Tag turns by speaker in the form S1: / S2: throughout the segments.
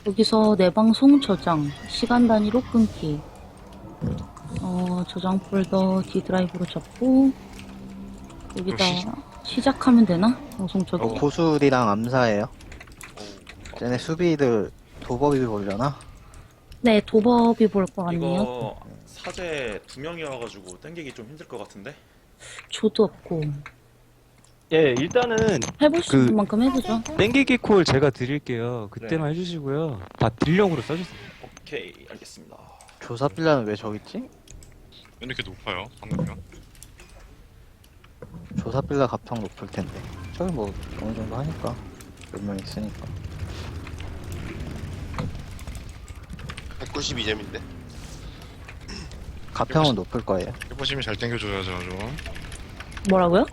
S1: 여기서 내 방송 저장, 시간 단위로 끊기. 저장 폴더 D 드라이브로 잡고, 여기다 시작하면 되나? 방송 저기.
S2: 고술이랑 암사예요. 쟤네 수비들 도법이 보려나?
S1: 네, 도법이 볼 거 같네요.
S3: 이거 사제 2명이어가지고 땡기기 좀 힘들 것 같은데?
S1: 조도 없고.
S4: 예, 일단은
S1: 해볼 수 있는 만큼 해보죠.
S4: 땡기기 콜 제가 드릴게요. 그때만 해주시고요. 다 딜령으로 써주세요.
S3: 오케이, 알겠습니다.
S2: 조사빌라는 왜 저기 있지?
S5: 왜 이렇게 높아요? 방금요?
S2: 조사빌라 가평 높을 텐데. 저기 뭐 어느 정도 하니까 몇 명 있으니까.
S6: 192점인데?
S2: 가평은 높을 거예요.
S5: 해보시면 잘 땡겨줘야죠, 좀.
S1: 뭐라고요?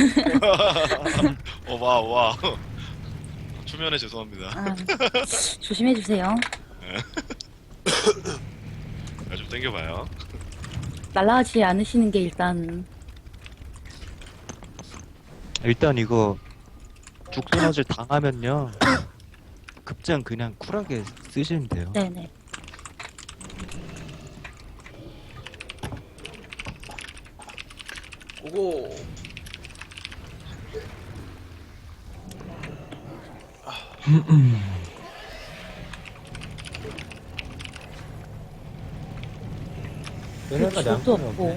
S5: 와. 초면에 죄송합니다.
S1: 아, 조심해주세요.
S5: 좀 땡겨봐요.
S1: 날라가지 않으시는 게 일단,
S4: 일단 이거 죽소맞을 당하면요. 급장 그냥 쿨하게 쓰시면 돼요.
S1: 네네.
S3: 오고!
S1: 조도 없고.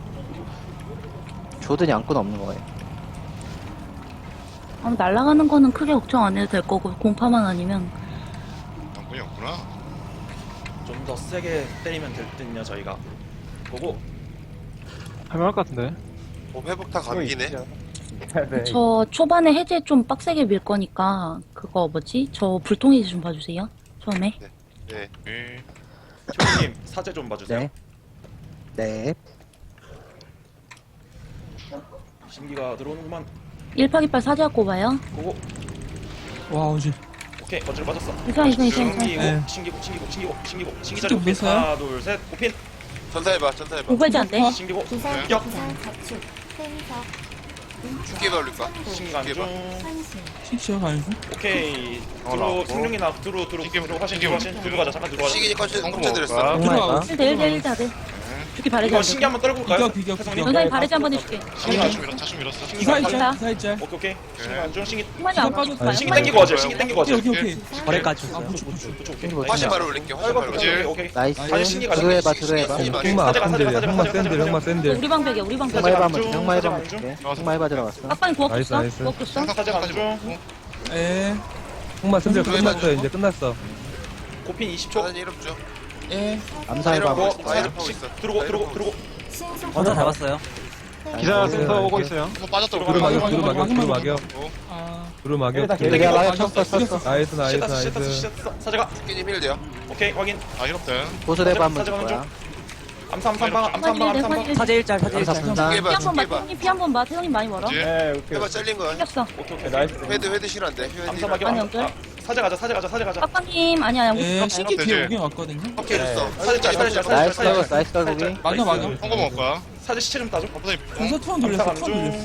S2: 조든 양꾼 없는 거예요.
S1: 날아가는 거는 크게 걱정 안 해도 될 거고, 공파만 아니면.
S5: 당분이 없구나.
S3: 좀 더 세게 때리면 될 듯요, 저희가. 오고!
S7: 할만할 것 같은데?
S6: 회복 다 감기네?
S1: 저 초반에 해제 좀 빡세게 밀 거니까, 그거 뭐지? 저 불통해제 좀 봐주세요. 처음에.
S6: 네.
S5: 예.
S3: 초이님, 사제 좀 봐주세요.
S2: 네. 네.
S3: 신기가 들어오는구만.
S1: 1파기빨 사제가 꼽아요.
S3: 오고!
S7: 와, 오지.
S3: 오케이, 거칠 빠졌어.
S1: 괜찮아.
S3: 신기고,
S7: 네.
S3: 신기고. 신기
S7: 좀
S3: 자리
S7: 뺐어요?
S3: 하나, 둘, 셋, 오핀!
S6: 전사해봐.
S1: 오발지 안 돼.
S3: 신기고,
S8: 기사,
S3: 격!
S8: 기사, 자축, 생석,
S6: 죽게 걸릴까?
S3: 신간
S6: 죽게 봐.
S3: 중.
S8: 환신,
S7: 신시어 가야죠.
S3: 오케이. 들어,
S5: 나왔고.
S3: 생명이나 들어, 화신, 들어, 화신. 들어 가자, 잠깐 들어 가자.
S6: 시기니 컨셉
S5: 성공
S6: 컴퓨터드렸어.
S5: 먹을까?
S2: 정말까?
S1: 1대1 자들. 죽기 바래지
S3: 이거
S1: 안
S3: 신기
S1: 돼.
S3: 한번 떨굴까요?
S7: 비격.
S3: 태성님?
S1: 연상이 바래지 한번 해줄게.
S3: 신기가
S5: 차춤 밀었어.
S7: 기사
S1: 기사.
S7: 있자, 기사 있자.
S3: 오케이. 신기가 중, 신기.
S1: 한마디 안
S7: 기사
S1: 빠졌어요.
S3: 신기 땡기고 하죠, 신기 땡기고 하죠.
S7: 오케이.
S4: 거래까지
S7: 아, 부축.
S3: 그쵸, 오케이.
S6: 화신 바로 올릴게. 화신 바로 올릴게.
S3: 오케이.
S2: 나이스.
S3: 아니, 신기가
S2: 들어해봐,
S6: 신기,
S2: 들어해봐.
S6: 신기 많이
S7: 흑마
S3: 사제가,
S7: 샌들이야.
S3: 사제가,
S7: 흑마
S3: 사제가,
S7: 샌들,
S3: 사제가.
S7: 흑마 샌들.
S1: 우리 방벽이야, 우리 방벽.
S3: 사제가
S2: 흑마해봐
S3: 중,
S2: 먼저, 흑마해봐
S3: 사제가
S2: 먼저.
S3: 중.
S2: 흑마해봐 들어갔어.
S1: 빡빡이 구웠어?
S7: 나이스.
S1: 구웠어?
S3: 사제가 중.
S7: 에. 흑마 샌들 끝났어, 이제 끝났어.
S3: 고핀 20초.
S6: 전환이 이름 줘.
S7: 에.
S2: 암사해봐.
S3: 뭐,
S6: 다 이름하고 있어.
S3: 들어고.
S8: 신속,
S9: 먼저 잡았어요.
S7: 기사
S2: 센터
S7: 오고 있어요.
S5: 한번 빠졌다.
S3: 들어가.
S7: 두루
S3: 막여,
S7: 막여.
S8: 아,
S7: 두루 막여.
S2: 내가 막여 쳤어, 쳤어.
S7: 나이스, 나이스.
S3: 시켰어. 사제가.
S6: 죽기님 힐 돼요.
S3: 오케이, 확인.
S5: 아, 이렇대.
S2: 고술해봐 한번 줄
S3: 사제가
S2: 거야.
S3: 암삼방.
S9: 사제 일짤, 사제
S2: 암사
S9: 일짤.
S2: 분다.
S6: 죽게 봐.
S1: 피 한 번 봐,
S6: 죽게 봐.
S1: 태형님 피 한 번 봐. 태형님 많이 멀어.
S5: 그치?
S6: 해봐 잘린 거야.
S1: 생겼어.
S3: 오케이.
S6: 헤드 실한데. 헤드
S3: 암삼
S6: 실.
S3: 막여.
S1: 아니, 연결.
S3: 사제 가자.
S1: 빡빡님, 아니야, 양국
S7: 에,
S1: 가봐요.
S7: 신기 뒤에 오긴 왔거든요.
S6: 오케이 줬어.
S2: 나이스 떨고, 나이스 떨고기.
S7: 막여.
S5: 성공 먹을까?
S3: 사제 시체 좀 따줘.
S7: 전사 투원 돌렸어,
S3: 암사
S7: 투원
S3: 중.
S7: 돌렸어.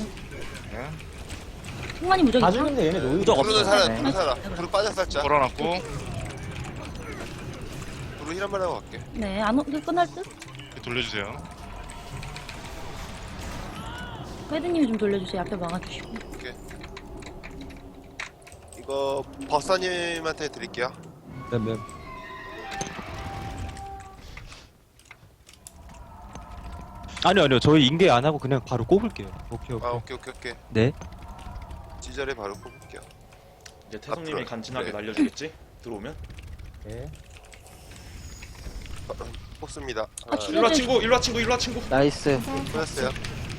S1: 승관이 무적이 있어?
S9: 무적
S6: 두루는
S9: 없어.
S6: 살아.
S2: 네.
S6: 두루 살아. 두루 빠져 살짝.
S5: 걸어놨고.
S6: 두루 힐 한번 하고 갈게.
S1: 네, 안 오게 끝날 듯?
S5: 돌려주세요.
S1: 헤드님이 좀 돌려주세요. 앞에 막아주시고.
S6: 이거 버사님한테 드릴게요.
S7: 네.
S4: 아니요. 저희 인계 안 하고 그냥 바로 꼽을게요. 오케이.
S6: 아 오케이.
S4: 네.
S6: 지절에 바로 뽑을게요.
S3: 이제 태성님이
S6: 앞으로.
S3: 간지나게
S6: 네.
S3: 날려주겠지? 들어오면.
S6: 뽑습니다.
S1: 아,
S3: 일로 와 친구.
S2: 나이스.
S6: 뽑았어요.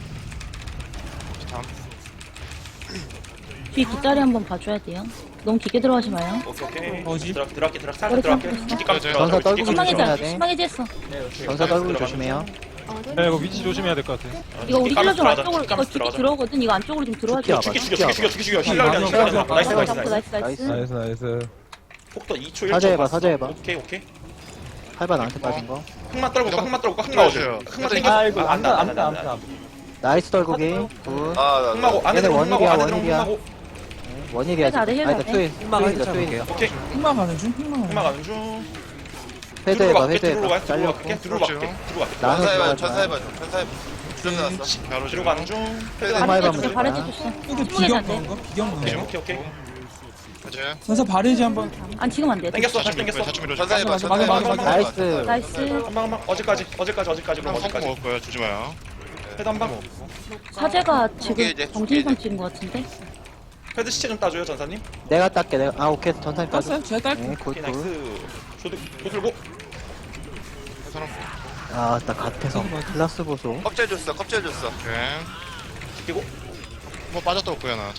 S1: 뒤 뒷다리 한번 봐줘야 돼요. 너무 깊게 들어가지 마요.
S3: 오케이.
S7: 어지?
S3: 들어갈게. 살짝
S1: 머리
S3: 들어갈게.
S1: 감고
S3: 죽기 깜짝
S2: 전사 떨고
S1: 심하게
S2: 조심해야
S1: 지
S2: 돼.
S1: 심하게 지했어.
S2: 전사 떨고 조심해요.
S8: 어둠,
S7: 이거 위치 조심해야 될 것 같아.
S1: 이거 우리 힐러 좀
S3: 들어가자.
S1: 안쪽으로, 이거
S3: 깜짝
S1: 깊게
S3: 들어가자.
S1: 들어오거든. 이거 안쪽으로 좀 들어와
S2: 죽기
S1: 줘.
S2: 와봐.
S3: 죽여. 힐러면 나이스.
S1: 잡고 나이스.
S7: 나이스.
S3: 폭도 2초 1초.
S2: 사제해봐, 사제해봐.
S3: 오케이.
S2: 팔바 나한테 빠진 거.
S3: 흑마 떨고 흑마 나오죠.
S5: 들어오세요.
S3: 흑마 땡겨. 안다.
S2: 나이스 떨고기. 굿.
S6: 아
S3: 흑마고 안에
S2: 얘네
S3: 들어
S2: 원일이야,
S3: 흑마고 안에 들어
S2: 원일이야.
S3: 흑마고.
S2: 원일이야.
S1: 해제 안 해, 해제 안 해.
S2: 투일이죠.
S3: 오케이.
S7: 흑마 가는 중, 흑마 가는 중.
S3: 흑마 가는 중.
S2: 회대해봐,
S3: 들어로
S2: 회대해봐.
S3: 가게, 들어로
S2: 잘렸고.
S3: 가게, 들어로 가게, 들어로 가게.
S2: 나는
S6: 전사해봐,
S2: 들어가지
S6: 전사해봐 좀. 전사해. 주전 나왔어.
S5: 바로
S3: 뒤로 가는 중.
S6: 회대
S2: 흑마
S1: 바래지
S2: 해봐,
S1: 줬어, 바래지 줬어.
S7: 근데
S1: 침묵이
S7: 비경
S1: 안 돼.
S7: 가는 거? 비경 가는 거?
S3: 오케이, 오케이.
S5: 해제.
S7: 전사 바래지 한번.
S1: 안 지금 안 돼.
S3: 땡겼어, 다시
S5: 사점 밀 거야.
S3: 땡겼어.
S5: 사점 밀어.
S6: 전사해봐,
S7: 맞아,
S6: 전사해봐.
S7: 맞아,
S2: 나이스.
S1: 나이스.
S3: 한방 어제까지 그럼
S5: 한번
S3: 어제까지.
S5: 먹을 거야. 주지 마요.
S3: 헤드 한 방.
S1: 사제가
S6: 이제,
S1: 지금 정신선 찍은 것 같은데?
S3: 헤드 시체 좀 따줘요 전사님.
S2: 내가 딸게, 내가. 아, 오케이. 전사님 따줘.
S7: 땄어요? 제가 딸게.
S2: 네, 굿,
S3: 오케이
S2: 굿.
S3: 나이스. 조들고.
S5: 사람.
S2: 아, 나 갓해서. 클라스 보소.
S6: 껍질 줬어, 껍질 줬어.
S5: 오케이.
S3: 끼고.
S5: 뭐 빠졌다 올 거야 나.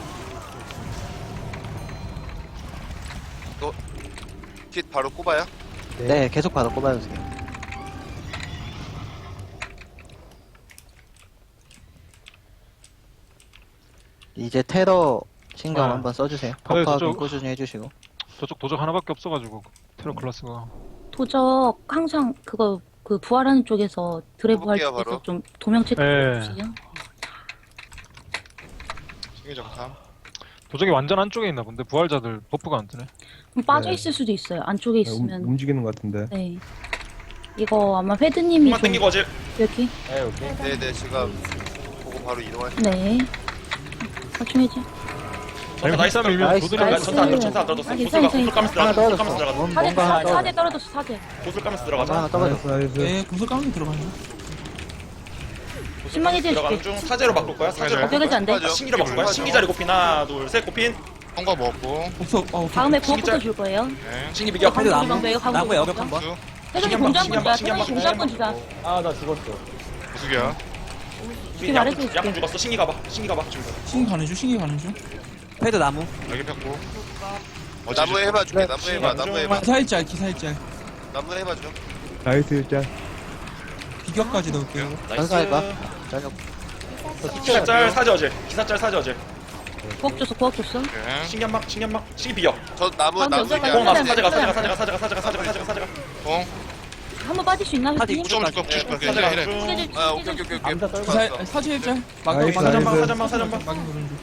S6: 킷 바로 꼽아요.
S2: 네, 계속 받아 꼽아주세요. 이제 테러 신경
S9: 아.
S2: 한번 써주세요.
S9: 네,
S2: 퍼프하고
S9: 저쪽-
S2: 꾸준히 해주시고.
S9: 저쪽 도적 하나밖에 없어가지고 테러 클라스가
S1: 도적 항상 그거 그 부활하는 쪽에서 드래브 할
S6: 해볼게요,
S1: 때서
S6: 바로.
S1: 좀 도명 체크
S9: 네.
S1: 해주세요.
S5: 신기적 탐.
S9: 도적이 완전 안쪽에 있나 본데 부활자들 버프가 안 뜨네.
S1: 그럼 빠져 있을 수도 있어요. 안쪽에 있으면.
S7: 움직이는 것 같은데.
S1: 네. 이거 아마 헤드님이
S3: 흑마
S1: 좀
S3: 땡기고 어제.
S1: 이렇게.
S6: 네네, 지금 보고 바로 이동할.
S1: 네. 대충 해줘.
S3: 전사 나이스.
S9: 밀면
S2: 나이스,
S9: 도들이
S2: 나이스.
S3: 전사 안 들어, 전사 안 들어졌어.
S1: 아,
S3: 고슬
S1: 괜찮아,
S3: 까면서
S2: 하나
S3: 들어가자. 고슬
S2: 떨어졌어.
S3: 까면서 들어가자.
S1: 사제,
S2: 뭔가 하나 떨어졌어.
S1: 사제 떨어졌어, 사제.
S3: 고슬 까면서
S2: 뭔가
S3: 들어가자.
S2: 하나 떨어졌어.
S7: 네, 구슬 까는 들어가는
S1: 신망 해제
S3: 들어가는
S1: 해줄게.
S3: 중. 사제로 바꿀 거야. 사제로 바꿀
S1: 어떻게 안 돼?
S3: 거야. 신기로 바꿀 거야. 신기 자리 곱핀 하나 둘 셋 곱핀.
S5: 통과 먹었고.
S7: 없어,
S1: 다음에
S3: 신기
S1: 부업부터
S3: 짤.
S1: 줄 거예요.
S5: 네.
S3: 신기 비겨.
S1: 방금 방금 나무 여력 한 번.
S5: 수.
S1: 회전이
S3: 신기
S1: 공장
S3: 한 번,
S1: 분자.
S3: 신기 한
S1: 회전이
S3: 번,
S1: 공장 분자.
S5: 무수기야.
S1: 이렇게 말해줄게.
S3: 약분 죽었어. 신기 가봐. 신기 가봐.
S7: 신기 가는 중, 신기 가는 중.
S2: 헤드 나무.
S5: 여기 폈고.
S6: 나무에 해봐줄게.
S2: 네.
S6: 나무에 해봐. 나무에 해봐.
S7: 기사일짤, 기사일짤.
S6: 나무에 해봐줘.
S7: 나이스 일짤. 비격까지 넣을게요.
S2: 전사해봐.
S3: 나이스.
S2: 저녁.
S3: 기사짤 사제 어제. 기사짤 사제 어제.
S1: 부업 줬어, 부업 줬어.
S5: 오케이.
S3: 신기 한 방. 신기 한 방. 신기 비겨.
S6: 저 나무
S1: 방금
S6: 나무
S1: 연결
S3: 뽕
S1: 맞아.
S3: 나서 사제가.
S5: 통.
S1: 한번 빠질 수 있나? 회전이?
S5: 무조건 줄거 무조건 줄거.
S3: 사제가
S5: 이래.
S3: 중.
S1: 해제
S6: 아, 오케이 오케이 오케이.
S7: 기사, 사지 일짤.
S3: 사전방.
S7: 막인 거는 중.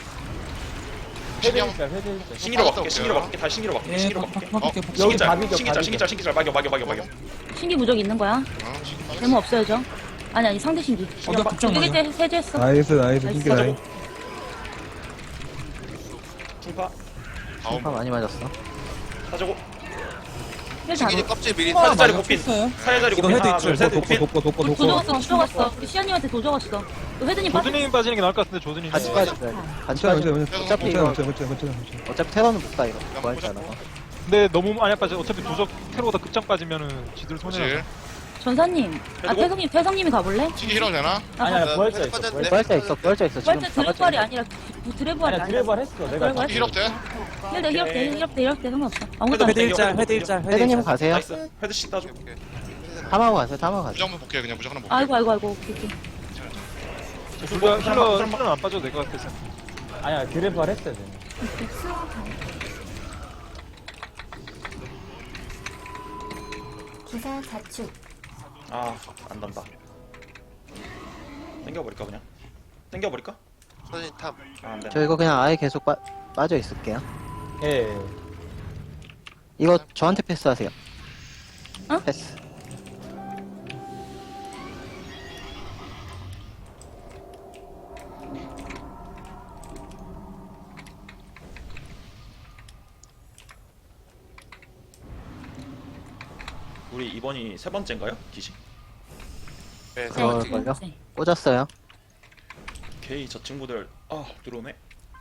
S5: 신기 한
S3: 신기로 바꿀게. 신기로 바꿀게. 다시 신기로 바꿀게.
S7: 예,
S3: 신기로 바꿀게.
S7: 바꿀게.
S3: 신기짤. 막여.
S1: 신기 무적 있는 거야?
S5: 어, 신기 빠졌어.
S1: 데모 없어야죠. 아니, 상대 신기.
S7: 나 걱정
S1: 두개
S7: 마요.
S1: 해제했어.
S7: 나이스, 나이스,
S1: 나이스.
S7: 신기 나이.
S3: 중파.
S5: 다음.
S2: 파 많이 맞았어.
S3: 사제고.
S1: 힐 잘.
S6: 신기 껍질 미리
S3: 사제 자리
S7: 많이
S3: 곱핀.
S7: 없었어요?
S3: 사제 자리 곱핀 하나 둘 셋 곱핀.
S1: 도적었어. 우리 시아님한테 도적었어. 회전이 빠져.
S9: 조드님 빠지는 게 나을 것 같은데 조드님.
S2: 같이 빠져야 같이 빠져. 어차피 이거 어차피 테러는 못 가 이거. 부활자라.
S9: 근데 너무 많이 빠져. 어차피 도적 테러보다 급장 빠지면은 지들 손해.
S5: 그렇지.
S1: 전사님. 아, 태성님이 가볼래?
S5: 신기 힐러 되나?
S6: 아니야 부활자 있어.
S2: 부활자 있어. 부활자 있어. 지금
S1: 부활자 드래브알이 아니라 드래브알이 아니라. 드래브알 했어.
S5: 신기 힐업 돼?
S1: 힐대 상관없어. 아무것도 안
S3: 헤드
S1: 돼.
S3: 일짤.
S2: 헤드님 가세요.
S3: 나이스. 헤드 씨 따줘.
S2: 탐하고 가세요. 탐하고 가세요.
S5: 무적 한번 볼게 그냥 무적 하나 볼게.
S1: 아이고. 오케이.
S9: 힐러는 안 빠져도 될 것 같아서.
S8: 기사 자축.
S3: 아, 안 단다. 땡겨버릴까 그냥? 땡겨버릴까?
S6: 선인 탐.
S3: 아, 안 돼.
S2: 저 이거 그냥 아예 계속 빠져 있을게요. 이거 저한테 패스하세요.
S1: 어?
S2: 패스.
S3: 우리 이번이 세 번째인가요? 기시?
S6: 네,
S2: 어,
S6: 선인
S2: 걸려?
S1: 네.
S2: 꽂았어요.
S3: 오케이, 저 친구들 들어오네.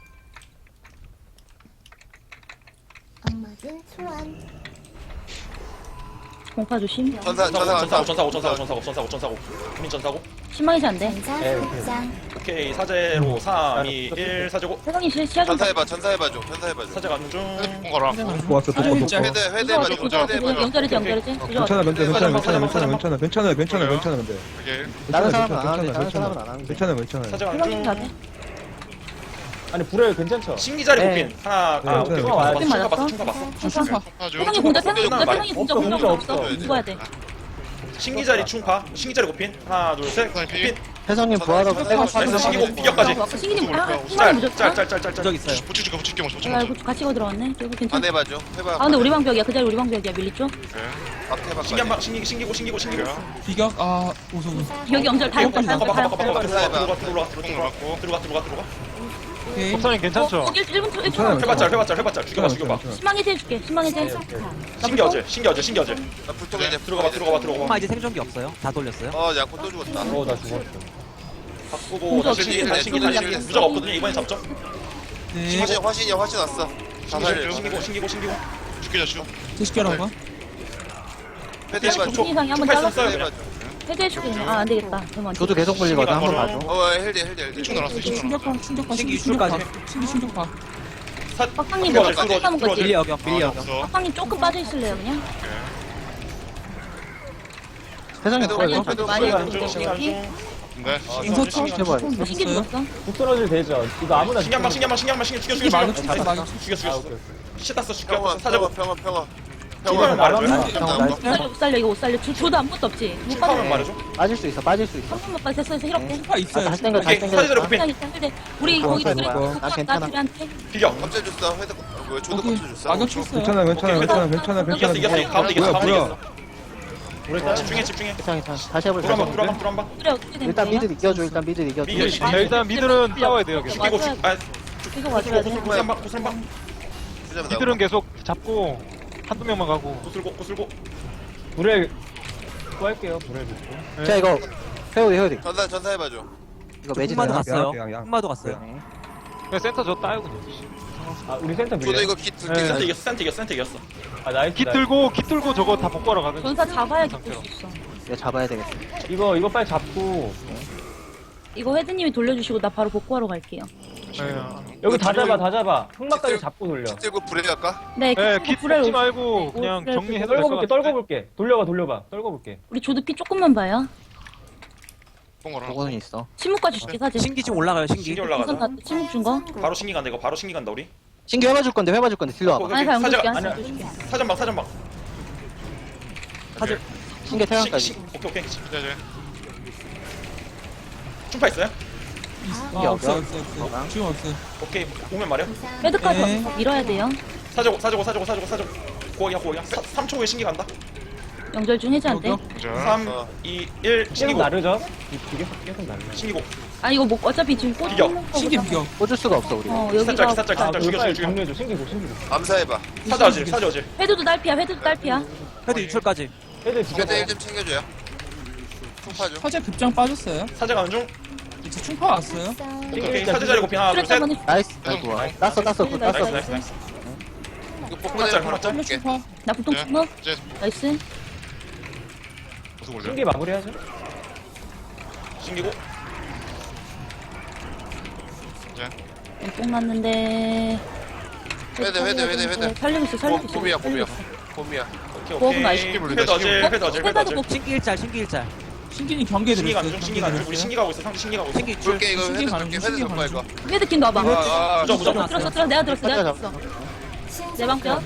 S8: 악맞은 소환.
S1: 공파 조심.
S3: 전사고. 국민 전사고.
S1: 신망이지 안 돼.
S8: 전사 복장.
S3: 오케이, 사제로 3, 2, 1 사제고.
S1: 태성님 시야 좀.
S6: 전사해봐줘.
S3: 사제 가는 중.
S5: 헤드 가라.
S7: 좋았어,
S1: 사지
S7: 좋았어.
S1: 일짤.
S6: 회대 해봐줘.
S1: 연결이지.
S7: 괜찮아, 근데.
S5: 오케이.
S2: 다른 사람은 안 하는데 다른 사람은 안 하는데.
S7: 괜찮아.
S3: 사제 가는
S1: 태성님 가게.
S3: 중. 신기 자리
S2: 네.
S3: 곱핀. 하나, 오케이.
S7: 괜찮아.
S3: 충가
S1: 맞았어?
S3: 봤어.
S7: 충파.
S5: 통과 중.
S1: 태성님 공자. 태성님 공자. 공자 없어.
S6: 없어.
S1: 죽어야 돼.
S3: 신기 자리 충파. 신기 자리 고핀. 하나 둘 셋.
S5: 사장님 피.
S3: 고핀.
S2: 혜성님 부활하고 백업
S3: 나이스 신기고 비격까지.
S1: 신기님 흰마리 무조건.
S3: 짤짤짤짤짤.
S7: 있어요.
S5: 붙여줄게 붙일게 먼저
S1: 아, 이거 같이 거 들어왔네. 이거
S6: 안
S1: 괜찮아.
S6: 해봐줘. 해봐.
S1: 아, 근데 우리 방벽이야. 그 자리 우리 방벽이야. 밀리 쪽.
S6: 앞 해봐.
S3: 신기 한방 신기고.
S7: 비격 아 오송.
S1: 여기 엄절 다 했다. 다
S3: 가봐
S1: 했다.
S3: 가봐
S1: 다
S3: 가봐.
S1: 했다. 들어가.
S7: 오케이.
S9: 법사님 괜찮죠?
S1: 1분 1초.
S3: 해봤자. 죽여봐.
S1: 신망 해제해줄게. 신망 해제.
S3: 신기 어제.
S6: 나 불통해 이제.
S3: 들어가봐.
S10: 이제 생존기 없어요. 다 돌렸어요.
S6: 양코 또 죽었다.
S2: 나 죽었어.
S3: 바꾸고
S1: 공격
S3: 다시
S6: 신기,
S3: 신기
S6: 신기.
S3: 무적 없거든요. 이번에 잡죠.
S7: 네.
S6: 화신이야 화신 왔어. 자살해.
S3: 신기고.
S5: 죽이자 죽여.
S7: 제시결 한번.
S6: 패드 해봐.
S1: 중 이상이 한번
S3: 총칼
S1: 잘랐어.
S3: 써요.
S1: 해제해줄게. 아, 안 되겠다. 그러면
S2: 저도 계속 물리거든. 한번 봐줘.
S6: 헬디.
S5: 이쪽 날았어 이쪽 날았어.
S7: 충격파
S10: 신기
S7: 충격파.
S10: 유출까지.
S7: 신기 충격파.
S1: 빡빡님 뭐 하는 거지?
S10: 빌리 여격, 빌리 여격.
S5: 없어.
S1: 빡빡님 조금 빠져 있을래요, 그냥?
S2: 혜성님
S6: 패드
S2: 부활
S6: 패드
S1: 많이
S6: 패드.
S1: 해주고
S5: 네.
S7: 인서
S2: 해봐요.
S1: 신기 죽었어.
S7: 떨어질 되죠. 이거 아무나
S3: 신기 한방 죽여.
S7: 신기 말고 충격파 막이.
S3: 죽여. 시다스
S6: 평화
S3: 죽여.
S6: 평화.
S3: 충파면 말해줘.
S1: 못 살려, 이거 못 살려. 줘도 아무것도 없지. 못
S3: 충파면
S1: 빠져.
S3: 말해줘.
S2: 빠질 수 있어.
S1: 한 번만 빠져. 됐어, 힐업돼.
S7: 충격파 있어요.
S2: 다시 땡겨.
S3: 오케이. 사제자리 고핀.
S1: 우리 거기
S2: 이거,
S1: 둘이
S2: 이거.
S1: 붙었다,
S2: 괜찮아.
S1: 둘이한테.
S3: 비격.
S6: 갑자기 줬어. 헤드 뭐야? 조도
S7: 오케이.
S6: 깜짝 줬어.
S7: 악역 쳤어요.
S3: 이겼어. 가운데 이겼어.
S7: 뭐야?
S3: 집중해.
S2: 괜찮아. 다시 해볼게.
S3: dur한방.
S1: 그래, 어떻게 된
S2: 일단
S1: 거야?
S2: 미드 이겨줘. 일단 미드 이겨줘.
S3: 미드.
S9: 자, 일단 미들은 싸워야 돼요. 계속.
S3: 죽이고
S1: 계속 와줘야 돼.
S3: 고슬방.
S9: 미들은 계속 잡고 한두 명만 가고.
S3: 고슬고.
S9: 불에
S2: 자, 이거 회오리.
S6: 전사 해봐줘.
S2: 이거 매직
S10: 흑마도
S2: 되나?
S10: 갔어요. 흑마도 갔어요.
S9: 그냥 센터 저 따요 그냥.
S6: 조도 이거 깃 둘게.
S3: 센트 이겼어.
S9: 깃 들고 저거 다 복구하러 가는.
S1: 전사 잡아야 기쁠 수 있어.
S2: 이거 잡아야 되겠어.
S1: 이거 헤드님이 돌려주시고 나 바로 복구하러 갈게요.
S6: 여기 다 잡아. 흑막까지 잡고 돌려. 깃 들고 불에 갈까?
S1: 네,
S9: 네,
S1: 깃
S9: 깃
S1: 불을
S9: 뽑지 말고 그냥 정리해서 떨궈볼게.
S1: 우리 조드 피 조금만 봐요.
S5: 뽕거라.
S2: 그거는 있어.
S1: 침묵까지 줄게 사진.
S10: 신기 지금 올라가요, 신기.
S3: 신기
S1: 우선
S3: 올라가자.
S1: 다 침묵 준 거.
S3: 바로 신기 간다. 이거 바로 신기 간다 우리.
S2: 신기 해봐줄 건데 딜러 와봐.
S1: 아니, 잘
S3: 사제가-
S1: 연결할게.
S3: 사전방.
S2: 신기 태양까지.
S3: 오케이.
S5: 네.
S3: 충파 있어요?
S7: 아 없어요. 지금 없어요.
S3: 오케이. 오면 말해.
S1: 헤드까지
S7: 네.
S1: 밀어야 돼요.
S3: 사자고. 고이야. 3초 후에 신기 간다.
S1: 영절 중 해제 안 돼.
S5: 자.
S3: 3,
S6: 어.
S3: 2, 1 신기고. 신기고.
S1: 아 이거 뭐 어차피 지금 꽂
S3: 비겨.
S7: 신기 비격.
S2: 꽂을 수가 없어 우리.
S1: 여기가
S3: 살짝 죽여.
S6: 암사해봐.
S3: 사자 어질.
S1: 헤드도 딸피야.
S10: 헤드 유출까지.
S6: 패드 1좀 챙겨줘요. 총파줘.
S7: 화재 급장 빠졌어요.
S3: 사자 가는 중.
S7: 이제 충파 왔어요.
S3: 오케이. 사자 자리 고핀 하나 둘 셋.
S2: 나이스. 좋아. 땄어.
S3: 나이스.
S6: 이거 폭탄에 하나
S7: 빨리
S6: 줄게.
S7: 충파.
S1: 나 보통
S5: 네.
S1: 침묵.
S5: 이제
S1: 나이스.
S5: 무슨 올려?
S3: 신기고.
S1: 뽕 났는데.
S6: 회드.
S1: 살리고 있어.
S6: 봄이야.
S1: 보험 나이스.
S3: 헤드 어질.
S10: 신기 일짤, 신기 일짤.
S7: 신기님 경계
S3: 신기 가는
S7: 드렸어요.
S3: 중. 신기 가는 중. 우리 신기 가고 있어. 상대 신기 가고 있어.
S10: 신기 유출.
S6: 줄게 이거
S7: 신기
S6: 헤드
S7: 가는
S6: 줄게.
S7: 중,
S6: 헤드
S7: 신기
S6: 좀
S7: 가는
S6: 이거.
S1: 헤드킨 넣어봐.
S3: 무적.
S1: 들었어. 내가 들었어. 내 방벽.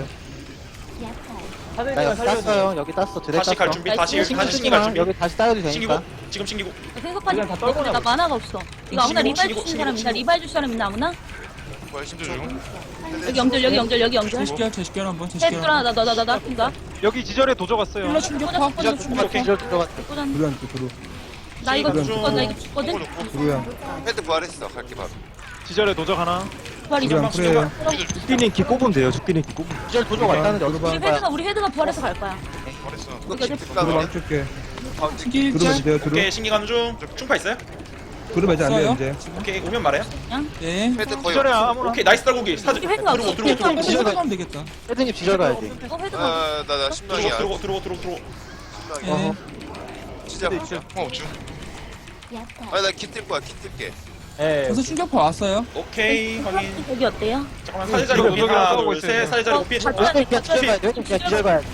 S2: 나 여기 땄어요. 여기 땄어. 드레
S3: 다시 갈
S2: 땄어.
S3: 준비. 다시 신기 갈
S2: 신기만
S3: 준비.
S2: 여기 다시 따여도
S3: 신기고.
S2: 되니까.
S3: 지금 신기고.
S1: 생각하니 나 만화가 없어. 이거 아무나 리바이 주는 사람 있나? 리바이 줄 사람 있나 아무나?
S5: 힘들 중.
S1: 여기 영절.
S7: 제시결 한번.
S1: 헤드라 나 핀다.
S9: 여기 지절에 도저 갔어요.
S7: 힐러 충격파.
S3: 오케이.
S2: 들어갔어.
S1: 나 이거
S3: 신기
S1: 죽거든.
S6: 헤드 부활했어. 갈게 바로.
S9: 지절에 도적 하나.
S1: 부활이
S3: 신경 신경.
S4: 죽기는 기 꼽으면 돼요. 죽기는 기 꼽으면.
S2: 기절 도적 왔다는데 어떻게 할 거야?
S1: 우리 헤드가 부활해서 갈 거야.
S5: 잘했어.
S6: 이거 깃 가면
S7: 신기 일짤.
S3: 오케이. 신기 가는 중. 충파 있어요?
S7: 없어요.
S3: 오케이. 오면 말해요.
S7: 네.
S6: 헤드 거의
S9: 지절에
S6: 없어.
S9: 아무나.
S3: 오케이. 나이스 딸고기. 사자.
S1: 우리 헤드가 없어.
S3: 들어오고.
S7: 시작하면 되겠다.
S2: 헤드님 지절 가야지.
S1: 이거 헤드가
S6: 나 신망이야.
S3: 들어오고.
S7: 네.
S6: 진짜.
S5: 없죠.
S6: 나깃 뜰 거야. 깃 뜰게.
S7: 그래서 충격파 왔어요.
S3: 오케이. 확인.
S1: 여기 어때요?
S3: 잠깐만. 사제 자리 고핀 하나
S9: 싸우고
S3: 둘
S9: 있어요.
S3: 셋. 사제 자리 고핀.
S1: 어,
S2: 헤드 그냥 지절 가야 돼. 헤드 그냥 지절 가야 돼.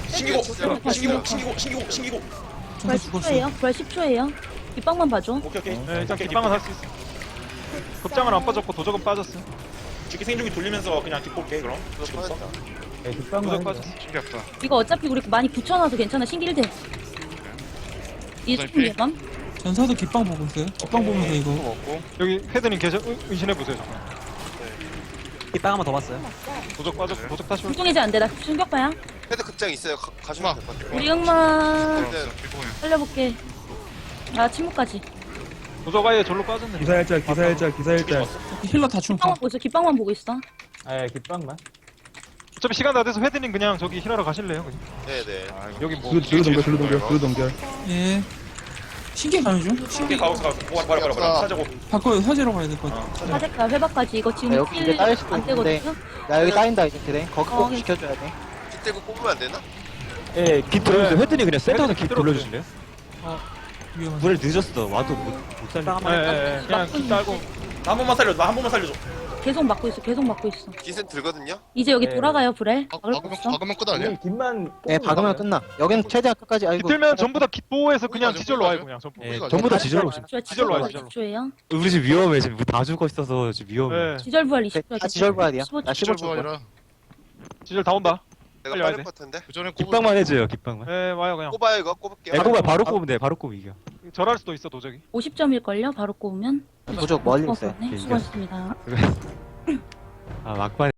S3: 신기고.
S1: 부활
S7: 전사 죽었어.
S1: 10초예요. 부활 10초예요. 뒷방만 봐줘.
S3: 오케이.
S9: 네, 일단 깃방은 할 수 있어. 급장은 안 빠졌고 도적은 빠졌어.
S3: 죽기 생중기 돌리면서 그냥 뒷볼게 그럼. 지금부터.
S9: 도적 빠졌어.
S5: 신기 없다.
S1: 이거 어차피 우리 많이 붙여놔서 괜찮아. 신기 1대. 이수품 예감?
S7: 전사도 깃방 보고 있어요. 깃방 보면서 이거.
S5: 먹고.
S9: 여기 헤드님 계셔 의심해보세요 잠깐.
S10: 이빵 한번 더 봤어요.
S9: 도적 빠져 도적 다시 올
S1: 불통해제 안 돼. 나 충격파야.
S6: 헤드 극장 있어요. 가시면 될 것 같아요.
S1: 우리 응마
S6: 네.
S1: 살려볼게. 아 침묵까지.
S9: 도적 아예 절로 빠졌네.
S7: 기사일짤, 기사일짤, 기사일짤. 힐러 다 충파.
S1: 깃방만 보고 있어. 깃방만 보고 있어.
S6: 예, 깃방만.
S9: 어차피 시간 다 돼서 헤드님 그냥 저기 힐하러 가실래요? 그냥?
S6: 네네.
S9: 여기 뭐
S7: 둘 동결, 둘 동결, 둘 동결. 예. 신기 가는 중?
S3: 신기 가우스 버려 사자고.
S7: 바꿔 사제로 가야 될 것 같아.
S1: 사제가 회박까지 이거 지금
S2: 여기 이제 따일 수도
S1: 안
S2: 있는데.
S1: 되거든요.
S2: 야, 여기 따인다, 이제 그래. 거기 꼭
S1: 어,
S2: 지켜줘야 돼.
S6: 깃대고 뽑으면 안 되나?
S4: 예, 깃 돌려주세요. 헤드님 그냥 센터에서 깃 돌려주실래요?
S7: 위험한.
S4: 물을 늦었어. 와도 못 살려.
S10: 빵 한번
S9: 예, 그냥 깃 달고
S3: 나 한 번만 살려줘. 나 한 번만 살려줘.
S1: 계속 막고 있어. 계속 막고 있어.
S6: 깃은 들거든요.
S1: 이제 여기 돌아가요 불에.
S5: 박-
S1: 막을 거
S5: 박으면
S1: 없어.
S5: 박으면 끝 아니야?
S2: 예, 박으면 끝나. 여기는 최대한 끝까지, 아이고.
S9: 깃들면 전부 다 깃보호해서 그냥
S5: 맞아,
S9: 지절로
S5: 맞아.
S9: 와요 그냥 전부.
S4: 예,
S5: 우리가
S4: 전부 다
S2: 다시
S4: 지절로
S2: 들어가요.
S4: 오시면.
S9: 지절로 와요, 지절로.
S1: 20초예요.
S4: 우리 집 위험해. 지금 다 죽어 있어서 지금 위험해.
S9: 예,
S1: 지절 부활 20초.
S2: 다 지절 봐야 돼요. 나 15초
S5: 시절도
S2: 봐.
S5: 아니라
S9: 지절 다 온다.
S6: 내가
S9: 빨리 와야
S6: 빠를
S9: 돼.
S6: 것 같은데.
S5: 그 전에
S4: 깃방만 해줘요. 깃방만.
S9: 예, 와요 그냥.
S6: 꼽아요 이거 꼽을게요.
S4: 예, 꼽아 바로 꼽으면 돼. 바로 꼽으면 이겨.
S9: 절할 수도 있어 도적이.
S1: 50점일걸요. 바로 꼽으면.
S2: 도적 멀리 있어요.
S1: 네, 수고하셨습니다.
S4: 아 막판.